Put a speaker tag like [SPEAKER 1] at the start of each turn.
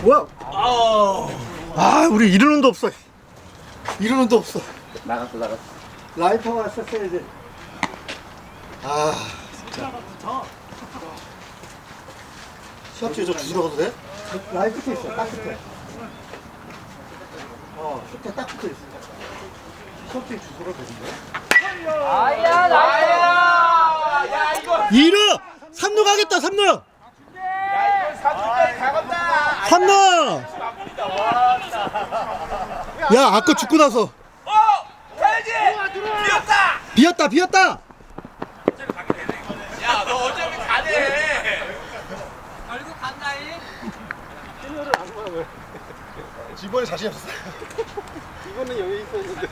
[SPEAKER 1] 뭐야? 아, 우리 이런 놈도 없어. 이런 놈도 없어.
[SPEAKER 2] 나갔어.
[SPEAKER 1] 라이터가 썼어야지. 아, 진짜. 시합 중에 저 주스러 가도 돼? 라이트 끝에 있어, 딱 끝에. 끝에 딱 붙어 있어. 시합 중에 주스러 되는데?
[SPEAKER 3] 아야 나이스. 야 이거.
[SPEAKER 1] 2루! 3루 가겠다, 3루!
[SPEAKER 3] 야 이거 4주까지 가겠다.
[SPEAKER 1] 3루! 야, 아까 죽고 나서.
[SPEAKER 3] 가야지. 비었다.
[SPEAKER 1] 비었다!
[SPEAKER 3] 야 너 어차피 가네.
[SPEAKER 4] 결국 간다잉.
[SPEAKER 1] 이번에 자신 없어. 이번에 여기 있었는데.